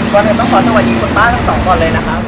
ก่อนอื่นต้องขอสวัสดีคุณป้าทั้งสองก่อนเลยนะครับ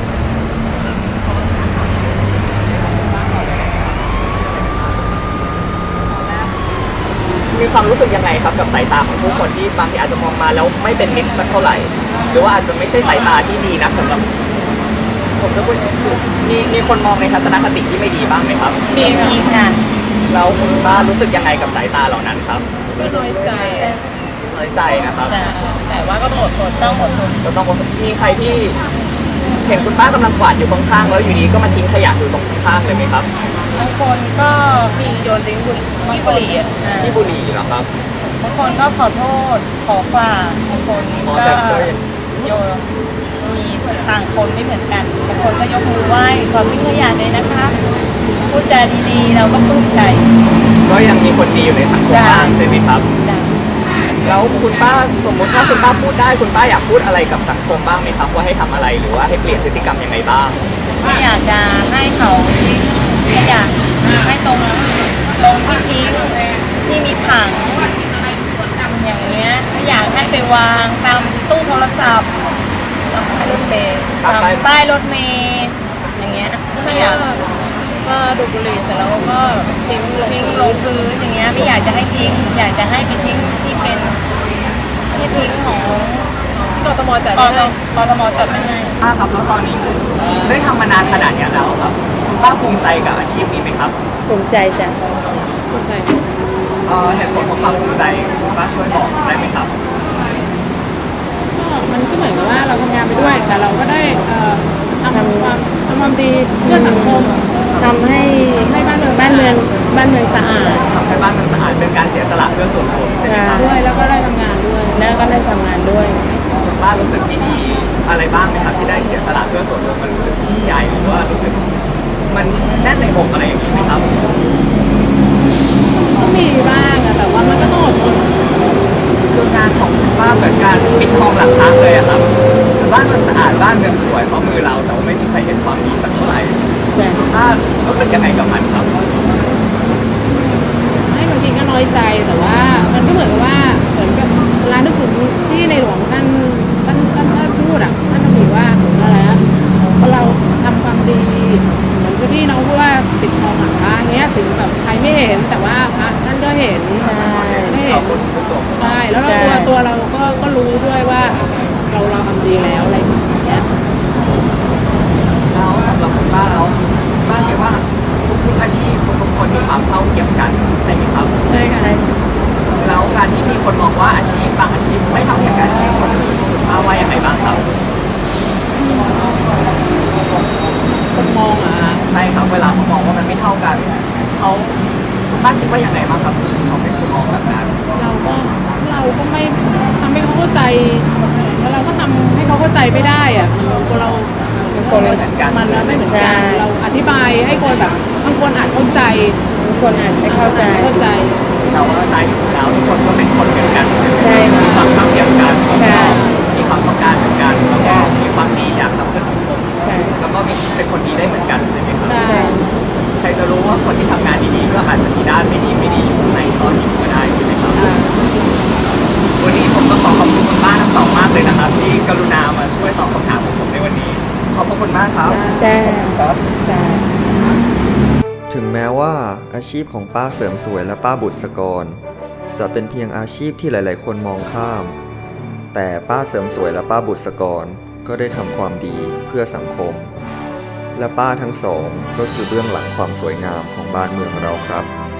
มีความรู้สึกยังไงครับกับสายตาของผู้คนที่บางทีอาจจะมองมาแล้วไม่เป็นมิตรสักเท่าไหร่หรือว่าอาจจะไม่ใช่สายตาที่ดีนะสำหรับผมจะพูดมีคนมองในทัศนคติที่ไม่ดีบ้างไหมครับมีค่ะแล้วคุณป้ารู้สึกยังไงกับสายตาเหล่านั้นครับก็น้อยใจน้อยใจนะครับแต่ว่าก็ต้องอดทนก็ต้องมีใครที่เห็นคุณป้ากำลังกวาดอยู่ข้างๆแล้วอยู่ดีก็มาทิ้งขยะอยู่ตรงข้างๆเลยไหมครับบางคนก็มีโยนทิ้งที่บุหรี่ที่บุหรี่เหรอครับบางคนก็ขอโทษขอฝากบางคนก็โยนมีต่างคนไม่เหมือนกันบางคนก็ยกมือไหว้ขอทิ้งขยะเลยนะคะพูดจาดีๆเราก็ปลื้มใจก็ยังมีคนดีอยู่ในสังคมบ้างใช่ไหมครับแล้วคุณป้าสมมติถ้าคุณป้าพูดได้คุณป้าอยากพูดอะไรกับสังคมบ้างไหมครับว่าให้ทำอะไรหรือว่าให้เปลี่ยนพฤติกรรมยังไงบ้างไม่อยากจะให้เขาทิ้งขยะให้ตรงที่ทิ้งที่มีถังอย่างเงี้ยไม่อยากให้ไปวางตามตู้โทรศัพท์ตามป้ายรถเมล์อย่างเงี้ยไม่อยากก็ดูดบุหรี่เสร็จแล้วก็ทิ้งลงพื้นอย่างเงี้ยไม่อยากจะให้ทิ้งอยากจะให้ไปทิ้งที่เป็นที่ทิ้งของกทมจัดไม่ให้ป้าครับแล้วตอนนี้ได้ทำมานานขนาดนี้แล้วครับคุณป้าภูมิใจกับอาชีพนี้ไหมครับภูมิใจจ้ะภูมิใจเหตุผลของความภูมิใจคุณป้าช่วยบอกได้ไหมครับก็มันก็เหมือนกับว่าเราทำงานไปด้วยแต่เราก็ได้ทำความดีเพื่อสังคมทำให้บ้านเมืองสะอาดทำให้บ้านเมืองสะอาดเป็นการเสียสละเพื่อส่วนรวมใช่ไหมครับด้วยแล้วก็ได้ทำงานด้วยคุณป้ารู้สึกดีอะไรบ้างไหมครับที่ได้เสียสละเพื่อส่วนรวมมันรู้สึกใหญ่หรือว่ารู้สึกมันแน่นในอกอะไรอย่างนี้ไหมครับก็มีบ้างแต่ว่ามันก็ต้องอดทนคืองานของคุณป้าเหมือนการปิดทองหลังพระเลยครับคือบ้านมันสะอาดบ้านเมืองสวยเพราะมือเราแต่ว่าไม่มีใครเห็นความดีสักเท่าไหร่คุณป้ารู้สึกยังไงกับมันครับให้บางทีก็น้อยใจแต่ว่ามันก็เหมือนกับเวลานึกถึงที่ในหลวงท่านพูดท่านถือว่าอะไรพอเราทำความดีเหมือนที่น้องพูดว่าปิดทองหลังพระเงี้ยถึงแบบใครไม่เห็นแต่ว่าพระท่านก็เห็นได้เห็นใช่แล้วตัวเราก็รู้ด้วยว่าเราทำดีแล้วอะไรอย่างเงี้ยแล้วสำหรับคุณป้าแล้วป้าคิดว่าทุกอาชีพทุกคนมีความเท่าเทียมกันใช่ไหมครับใช่ค่ะแล้วการที่มีคนมองว่าอาชีพบางอาชีพไม่เท่าเทียมกันอาชีพคนอื่นป้าว่ายังไงบ้างครับคนมองใช่ครับเวลาเขามองว่ามันไม่เท่ากันคุณป้าคิดว่ายังไงบ้างครับเขาเป็นคนมองแบบนั้นเราก็ไม่ทำให้เขาเข้าใจแล้วเราก็ทำให้เขาเข้าใจไม่ได้เราคนไม่เหมือนกันมันไม่เหมือนกันเราอธิบายให้คนแบบบางคนอาจเข้าใจบางคนอาจไม่เข้าใจแต่ว่าท้ายที่สุดแล้วทุกคนก็เป็นคนเหมือนกันใช่มีความเท่าเทียมกันมีความต้องการเหมือนกันแล้วก็มีความดีอยากทำเพื่อสังคมแล้วก็เป็นคนดีได้เหมือนกันใช่ไหมครับใครจะรู้ว่าคนที่ทำงานดีๆก็อาจจะมีด้านไม่ดีอยู่ในตอนนี้ก็ได้ใช่ไหมครับวันนี้ผมก็ขอบคุณคุณป้าทั้งสองมากเลยนะครับที่กรุณามาช่วยตอบคำถามของผมในวันนี้ขอบคุณมากครับครับถึงแม้ว่าอาชีพของป้าเสริมสวยและป้าบุษกรจะเป็นเพียงอาชีพที่หลายๆคนมองข้ามแต่ป้าเสริมสวยและป้าบุษกรก็ได้ทำความดีเพื่อสังคมและป้าทั้งสองก็คือเบื้องหลังความสวยงามของบ้านเมืองเราครับ